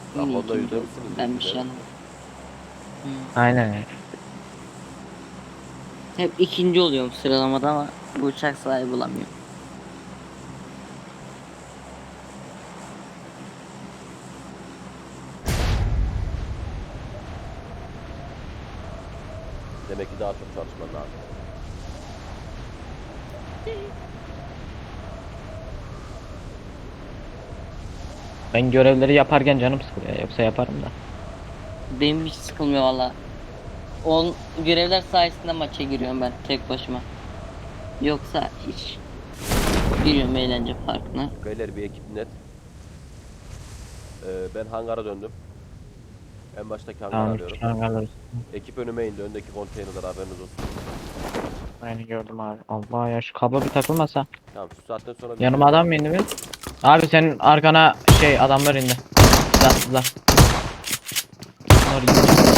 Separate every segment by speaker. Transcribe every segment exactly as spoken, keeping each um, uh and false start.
Speaker 1: Bak
Speaker 2: Yine
Speaker 1: onda
Speaker 2: ikinci
Speaker 1: yüzde
Speaker 2: oldu.
Speaker 1: misiniz?
Speaker 2: Ben bir şey
Speaker 1: Yüzde.
Speaker 2: anlamadım. Hı.
Speaker 3: Aynen.
Speaker 2: Hep ikinci oluyorum sıralamada ama bu uçak sahibi bulamıyorum.
Speaker 1: Demek ki daha çok çalışman lazım.
Speaker 3: Ben görevleri yaparken canım sıkılıyor. Yoksa yaparım da.
Speaker 2: Benim hiç sıkılmıyor valla. On görevler sayesinde maça giriyorum ben tek başıma. Yoksa hiç giriyorum eğlence parkına.
Speaker 1: Beyler bir ekip net. Ee, ben hangara döndüm. En baştaki hangarı
Speaker 3: Tamam.
Speaker 1: arıyorum.
Speaker 3: Şu an alırız.
Speaker 1: Ekip önüme indi. Öndeki konteynerler haberiniz olsun.
Speaker 3: Aynen gördüm abi. Allah ya şu kablo bir takılmasa.
Speaker 1: Tamam şu saatten sonra bir
Speaker 3: Yanıma adam mı indi mi? Abi senin arkana şey adamlar indi. Silahsızlar. Bunlar indi.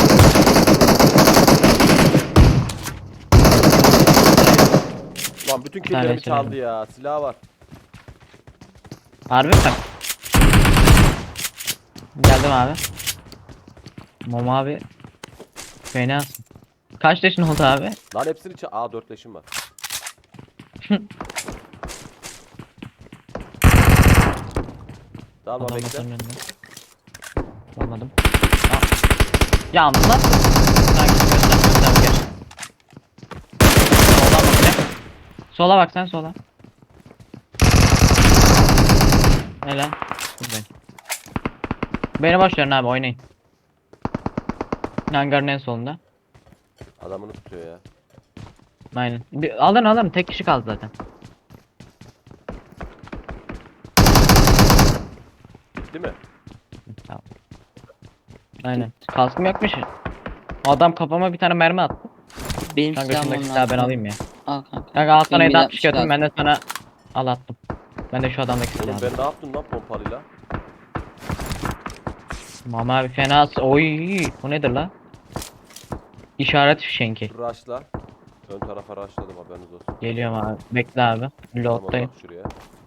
Speaker 1: Lan bütün
Speaker 3: Bir tane
Speaker 1: killerimi çaldı
Speaker 3: söyledim.
Speaker 1: ya. Silah var.
Speaker 3: Harbi mi? Geldim abi. Mom abi. Fenasın. Kaç yaşın oldu abi?
Speaker 1: Lan hepsini çal... Aa dört leşim var. Dalma
Speaker 3: Adam
Speaker 1: bekle.
Speaker 3: masanın önünde. Olmadım. Aa. Yalnız lan. Sanki göster göster gel. Soldan bak ne? Sola bak sen sola. Helal. Dur ben. Beni boş verin abi oynayın. Hangarın en solunda.
Speaker 1: Adamını tutuyor ya.
Speaker 3: Aynen. Bir, alın alın tek kişi kaldı zaten.
Speaker 1: Bitti mi?
Speaker 3: Tamam. Aynen. Kaskım yokmuş. Adam kafama bir tane mermi attı.
Speaker 2: Benim
Speaker 3: Kanka
Speaker 2: silahım
Speaker 3: şundaki
Speaker 2: onun
Speaker 3: silahı ben
Speaker 2: altında.
Speaker 3: alayım ya.
Speaker 2: Al kanka.
Speaker 3: Kanka al sana
Speaker 2: Benim
Speaker 3: yedi
Speaker 2: bir de
Speaker 3: altmış götürün
Speaker 2: lazım.
Speaker 3: ben de sana al attım. Ben de şu adamdaki
Speaker 1: Oğlum
Speaker 3: silahı.
Speaker 1: ben ne yaptım lan pompalıyla?
Speaker 3: Mama abi fena. Oy bu nedir la? İşaret fişenki.
Speaker 1: Rush'la. Ön tarafa rushladım haberiniz olsun.
Speaker 3: Geliyorum abi. Bekle abi.
Speaker 1: Tamam
Speaker 3: Loaddayım.
Speaker 1: bak şuraya.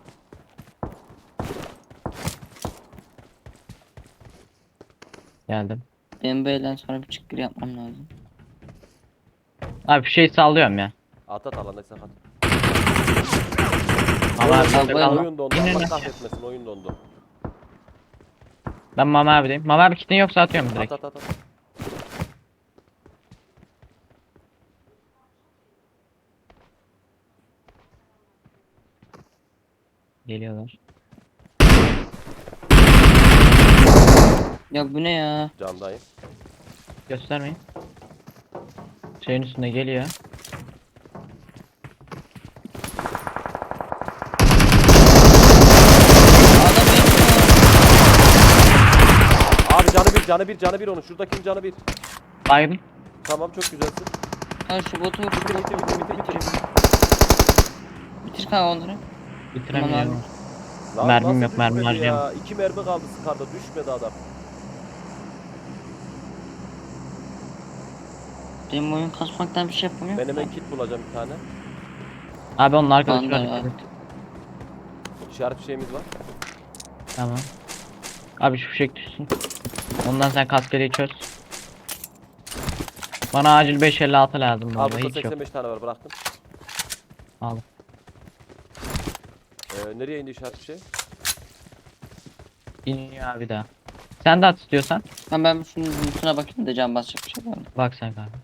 Speaker 3: Geldim.
Speaker 2: Benim böyle sonra bir çıkır yapmam lazım.
Speaker 3: Abi şey sallıyorum ya.
Speaker 1: At at alandaysan at.
Speaker 3: Mama abi
Speaker 2: Oyun-
Speaker 3: bizde
Speaker 2: oyun-
Speaker 3: kalma.
Speaker 1: Oyun dondu.
Speaker 3: İnin
Speaker 1: Allah
Speaker 3: lan.
Speaker 1: kahretmesin oyun dondu.
Speaker 3: Ben Mama abideyim. Mama abi kitin yoksa atıyorum
Speaker 1: At
Speaker 3: direkt.
Speaker 1: at at at.
Speaker 3: Geliyorlar.
Speaker 2: Ya bu ne ya?
Speaker 1: Camdayım.
Speaker 3: Göstermeyin. Şeyin üstünde geliyor.
Speaker 2: Adam benim
Speaker 1: Abi canı bir canı bir canı bir onun. Şuradakinin canı bir.
Speaker 3: Baygın.
Speaker 1: Tamam çok güzelsin.
Speaker 2: ya. Şu botu vur.
Speaker 1: Bitir bitir bitir bitir bitir.
Speaker 2: Bitir kanka onları.
Speaker 3: Bitiremiyorum.
Speaker 1: Lan
Speaker 3: Mermim
Speaker 1: nasıl
Speaker 3: yok, mermi
Speaker 1: düşmedi ya?
Speaker 3: harcayamam.
Speaker 1: İki mermi kaldı skarda düşmedi adam.
Speaker 2: Benim oyun kasmaktan bir şey yapamıyorum.
Speaker 1: Ben hemen kit bulacağım bir tane.
Speaker 3: Abi onun arkadaşı
Speaker 2: Banda
Speaker 3: var.
Speaker 2: var.
Speaker 1: İşaret şeyimiz var.
Speaker 3: Tamam. Abi şu fişek düşsün. Ondan sen kaskeliği çöz. Bana acil beş elli altı lazım bu
Speaker 1: Al
Speaker 3: arada
Speaker 1: burada
Speaker 3: hiç yok.
Speaker 1: seksen beş tane var bıraktım.
Speaker 3: Al.
Speaker 1: Ee, nereye indi işaret şey?
Speaker 3: İniyor abi daha. Sen de at istiyorsan.
Speaker 2: Ben ben şunun lootuna bakayım da can basacak bir şey var mı?
Speaker 3: Bak sen kanka.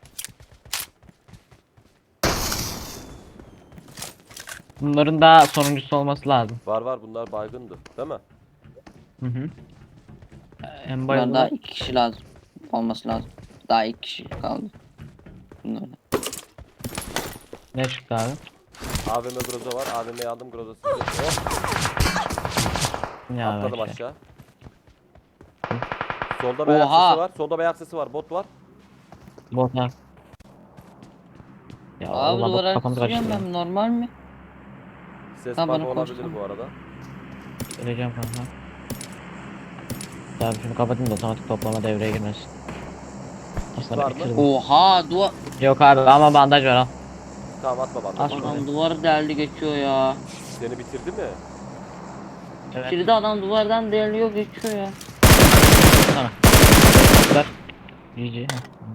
Speaker 3: Bunların daha sonuncusu olması lazım.
Speaker 1: Var var bunlar baygındı değil mi?
Speaker 3: Hı hı. En
Speaker 2: Bunlar daha
Speaker 3: bayıldı.
Speaker 2: iki kişi lazım. Olması lazım. Daha iki kişi kaldı. Bunlardan.
Speaker 3: Ne çıktı abi?
Speaker 1: A V M Groza var. A V M'yi aldım Groza size. Oh,
Speaker 3: Ya
Speaker 1: atladım
Speaker 3: bak ya.
Speaker 1: aşağı. Solda bir ayak
Speaker 2: Oha!
Speaker 1: sesi var. Solda bir ayak sesi var. Bot var.
Speaker 3: Bota. Ya
Speaker 2: Abi
Speaker 3: Allah bak
Speaker 2: duvara
Speaker 3: kafamı
Speaker 2: sürüyorum
Speaker 3: kaçırıyor.
Speaker 2: ben normal mi?
Speaker 1: Ses
Speaker 2: Ha,
Speaker 1: bug
Speaker 2: bana
Speaker 1: olabilir
Speaker 2: koştu.
Speaker 1: bu arada.
Speaker 3: Geleceğim kanka. Tamam şunu kapatayım da otomatik toplama devreye girmesin. Aslında
Speaker 1: Var mı?
Speaker 3: bitirdim.
Speaker 2: Oha duvar.
Speaker 3: Yok abi ama bandaj var al.
Speaker 1: Tamam atma bana.
Speaker 3: At.
Speaker 2: Adam duvarı deldi geçiyor ya.
Speaker 1: Seni bitirdi mi?
Speaker 3: Evet.
Speaker 2: Kilide adam duvardan deliliyor geçiyor ya.
Speaker 3: sana. Ver. G G.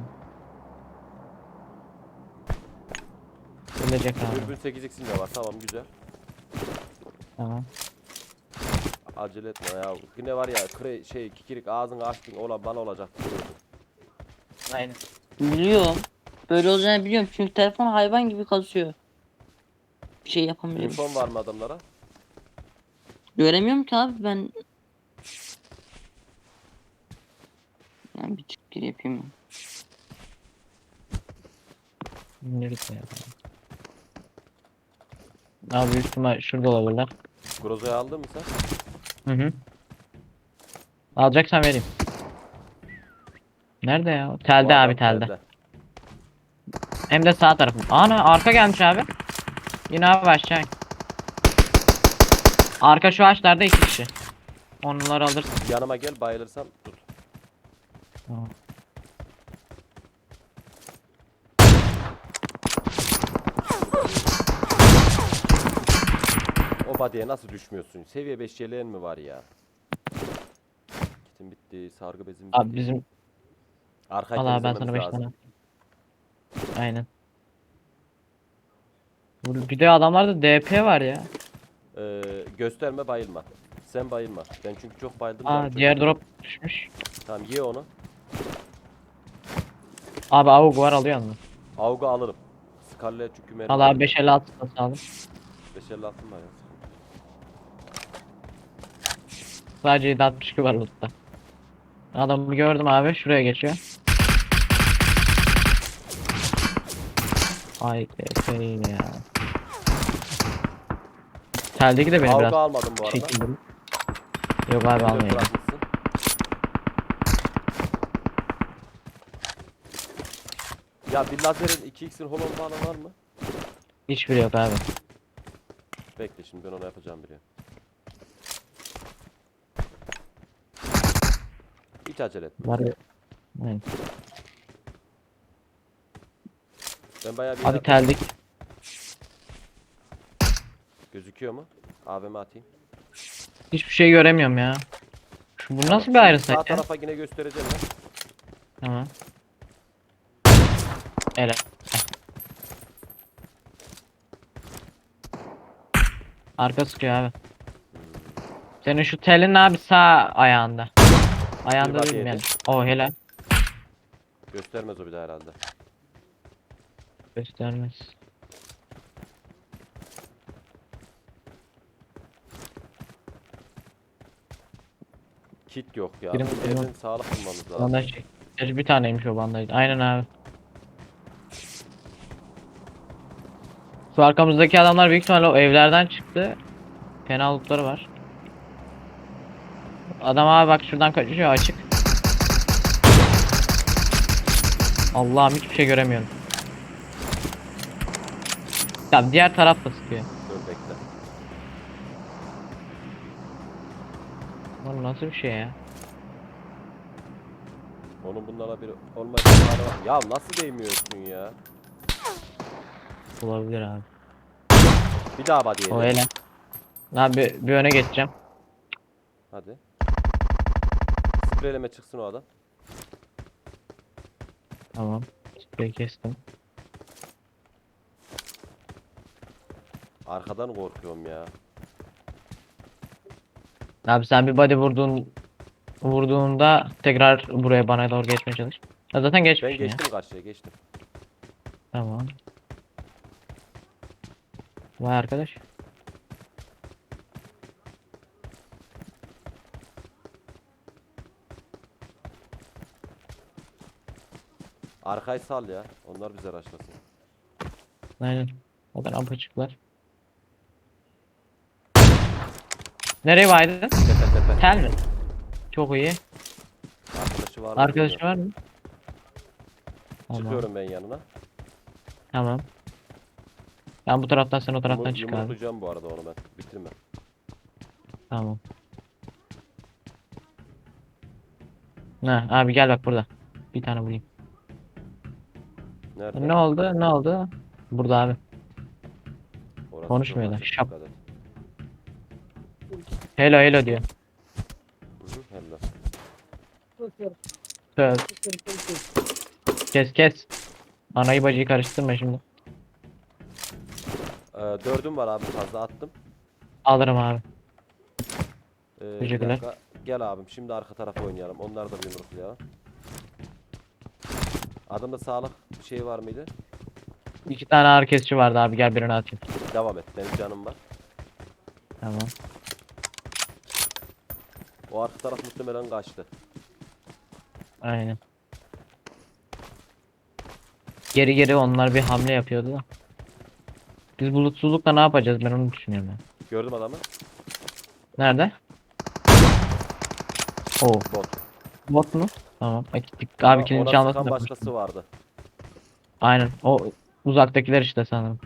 Speaker 3: Ölecek abi.
Speaker 1: Dürbün sekiz x'in de var. Tamam güzel.
Speaker 3: Tamam.
Speaker 1: Acele etme ya. Yine var ya kre, şey kikirik ağzını açtın ola bana olacak.
Speaker 3: Aynen.
Speaker 2: Biliyorum. Böyle olacağını biliyorum çünkü telefon hayvan gibi kasıyor. Bir şey yapamıyorum.
Speaker 1: Infon var mı adamlara?
Speaker 2: Göremiyorum ki abi ben. Yani bir çık gir yapayım mı?
Speaker 3: Nerede ya? Abi büyük ihtimal şurada olabilirler.
Speaker 1: Grozo'yu aldın mı sen?
Speaker 3: Hı hı. Alacaksan vereyim. Nerede ya? Telde
Speaker 1: Bu adam
Speaker 3: abi telde.
Speaker 1: telde.
Speaker 3: Hem de sağ tarafım. Ana arka gelmiş abi. Yine abi aşağı. Arka şu ağaçlarda iki kişi. Onları alırsın.
Speaker 1: Yanıma gel bayılırsam tut.
Speaker 3: Tamam.
Speaker 1: O body'ye nasıl düşmüyorsun? Seviye beş yeleğin mi var ya? Kitim bitti, sargı bezim bitti.
Speaker 3: Abi bizim
Speaker 1: Arkayı
Speaker 3: Allah ben
Speaker 1: temizlememiz
Speaker 3: sana beş
Speaker 1: lazım.
Speaker 3: tane. Aynen. Bu- Bir de adamlarda D P var ya.
Speaker 1: Ee, gösterme bayılma. Sen bayılma. Ben çünkü çok bayıldım. canım
Speaker 3: Aa
Speaker 1: çok
Speaker 3: diğer
Speaker 1: gitti.
Speaker 3: drop düşmüş.
Speaker 1: Tamam ye onu.
Speaker 3: Abi avuk var alıyor mu?
Speaker 1: Avga alırım. Scarlet çünkü mermi.
Speaker 3: Allah abi beş elli altı satın aldım.
Speaker 1: beş elli altın var ya.
Speaker 3: Sadece yedi altmış iki var lootta. Adamı gördüm abi şuraya geçiyor. Ay D P yine ya. Teldeki de beni
Speaker 1: Avga
Speaker 3: biraz
Speaker 1: almadım bu arada.
Speaker 3: çekildi. Yok abi
Speaker 1: M dört
Speaker 3: almayayım.
Speaker 1: bırakmışsın. Ya bir lazerin iki x'in holon falan var mı?
Speaker 3: Hiçbiri yok abi.
Speaker 1: Bekle şimdi ben onu yapacağım bile. Hiç acele etme.
Speaker 3: Var ya. Aynen.
Speaker 1: Ben bayağı bir
Speaker 3: Abi
Speaker 1: yer-
Speaker 3: teldik.
Speaker 1: gözüküyor mu? A V M atayım.
Speaker 3: Hiçbir şey göremiyorum ya. Şu bu
Speaker 1: Tamam,
Speaker 3: nasıl bir
Speaker 1: şimdi
Speaker 3: ayrı
Speaker 1: Sağ
Speaker 3: sayı ya?
Speaker 1: tarafa yine göstereceğim ben.
Speaker 3: Tamam. Evet. Arka sıkıyor abi. Senin şu telin abi sağ ayağında. Ayağında
Speaker 1: Bir
Speaker 3: değil mi
Speaker 1: body
Speaker 3: yani?
Speaker 1: yedi.
Speaker 3: O helal.
Speaker 1: Göstermez o bir daha herhalde.
Speaker 3: Göstermez.
Speaker 1: Kit yok ya.
Speaker 3: Birim-
Speaker 1: Bir
Speaker 3: birim-
Speaker 1: yerden sağlık bulmamız lazım.
Speaker 3: Bandaj çek. Gerçi bir taneymiş o bandaj. Aynen abi. Şu arkamızdaki adamlar büyük ihtimalle o evlerden çıktı. Fena lootları var. Adam abi bak şuradan kaçıyor açık. Allah'ım hiçbir şey göremiyorum. Ya diğer taraf da sıkıyor.
Speaker 1: Dur bekle.
Speaker 3: Lan nasıl bir şey ya?
Speaker 1: Onun bunlara bir olma ihtimali var. Ya nasıl değmiyorsun ya?
Speaker 3: Olabilir abi.
Speaker 1: Bir daha body
Speaker 3: O
Speaker 1: yedi.
Speaker 3: hele. Abi bir öne geçeceğim.
Speaker 1: Hadi. Spreyleme çıksın o adam.
Speaker 3: Tamam. Sprey kestim.
Speaker 1: Arkadan korkuyorum ya.
Speaker 3: Abi sen bir body vurduğun vurduğunda tekrar buraya bana doğru geçmeye çalış. Ya zaten
Speaker 1: Ben
Speaker 3: geçmişsin ya.
Speaker 1: geçtim karşıya geçtim.
Speaker 3: Tamam. Vay arkadaş.
Speaker 1: Arkayı sal ya. Onlar bize raşlasın.
Speaker 3: Aynen. O kadar apaçıklar. Nereye baydın?
Speaker 1: Tepe tepe.
Speaker 3: Tel mi? Çok iyi.
Speaker 1: Arkadaşı var mı?
Speaker 3: Arkadaşı
Speaker 1: bilmiyorum.
Speaker 3: var mı? Tamam.
Speaker 1: Çıkıyorum ben yanına.
Speaker 3: Tamam. Ben bu taraftan sen o taraftan
Speaker 1: Yumur,
Speaker 3: çık abi.
Speaker 1: yumruklayacağım bu arada onu ben. Bitirme.
Speaker 3: Tamam. Ha, abi gel bak burada. Bir tane bulayım.
Speaker 1: Nerede?
Speaker 3: Ne oldu? Ne oldu? Burada abi.
Speaker 1: Orası
Speaker 3: Konuşmuyorlar,
Speaker 1: çok açık,
Speaker 3: şap.
Speaker 1: dikkat et.
Speaker 3: Hello hello diyor.
Speaker 1: Hı hı, helal.
Speaker 3: Söz. Kes kes. Anayı bacıyı karıştırma şimdi.
Speaker 1: Ee, dördüm var abi, fazla attım.
Speaker 3: Alırım abi.
Speaker 1: Ee, bir
Speaker 3: Teşekkürler.
Speaker 1: dakika. Gel abim, şimdi arka tarafa oynayalım. Onlar da bir yumruklayalım. Adamda sağlık bir şey var mıydı?
Speaker 3: İki tane ağrı kesici vardı abi, gel birini atayım.
Speaker 1: Devam et, benim canım var.
Speaker 3: Tamam.
Speaker 1: O arka taraf muhtemelen kaçtı.
Speaker 3: Aynen. Geri geri onlar bir hamle yapıyordu da. Biz bulutsuzlukla ne yapacağız, ben onu düşünüyorum ya.
Speaker 1: Gördüm adamı.
Speaker 3: Nerede? Oo.
Speaker 1: Bot.
Speaker 3: Bot mu? Tamam. Bak, gittik.
Speaker 1: Ama
Speaker 3: Abi kilini
Speaker 1: ona
Speaker 3: çalmasın
Speaker 1: sıkan
Speaker 3: da.
Speaker 1: başkası vardı.
Speaker 3: Aynen. O uzaktakiler işte sanırım.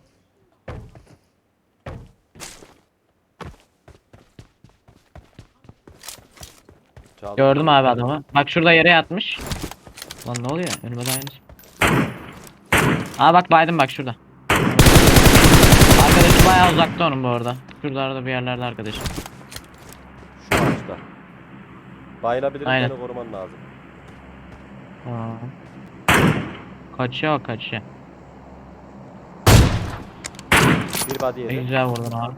Speaker 1: Çaldı.
Speaker 3: Gördüm abi adamı. Bak şurada yere yatmış. Lan ne oluyor? Önüme dayanır. Aa bak baydım bak şurada. Arkadaşı bayağı uzakta onun bu arada. Şuralarda bir yerlerde arkadaşım.
Speaker 1: Şu ağaçta. Bayılabilirim,
Speaker 3: Aynen.
Speaker 1: beni koruman lazım.
Speaker 3: Aa. Kaçıyor kaçıyor.
Speaker 1: Bir body
Speaker 3: Ne
Speaker 1: yedi.
Speaker 3: güzel vurdun abi.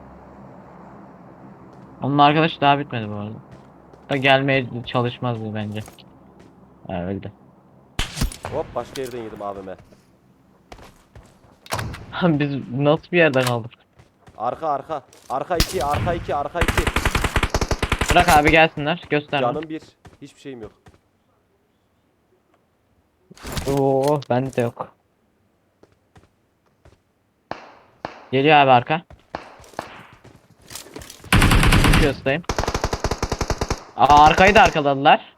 Speaker 3: Onun arkadaşı daha bitmedi bu arada. Da gelmeye çalışmazdı bence. Ha öldü.
Speaker 1: Hop, başka yerden yedim abime.
Speaker 3: Biz nasıl bir yerde kaldık?
Speaker 1: Arka arka. Arka iki, arka iki, arka iki.
Speaker 3: Bırak abi gelsinler. Göster.
Speaker 1: Canım bir. Hiçbir şeyim yok.
Speaker 3: Oo bende de yok. Geliyor abi arka. Göstereyim. Aa arkayı da arkaladılar.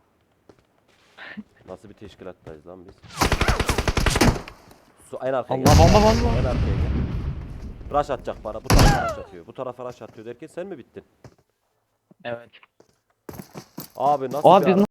Speaker 1: Nasıl bir teşkilattayız lan biz? Su en arkaya
Speaker 3: Allah
Speaker 1: gel.
Speaker 3: bomba bomba.
Speaker 1: En arkaya gel. Rush atacak bana. Bu tarafa rush atıyor. Bu tarafa rush atıyor derken sen mi bittin?
Speaker 3: Evet.
Speaker 1: Abi nasıl
Speaker 3: Abi
Speaker 1: bir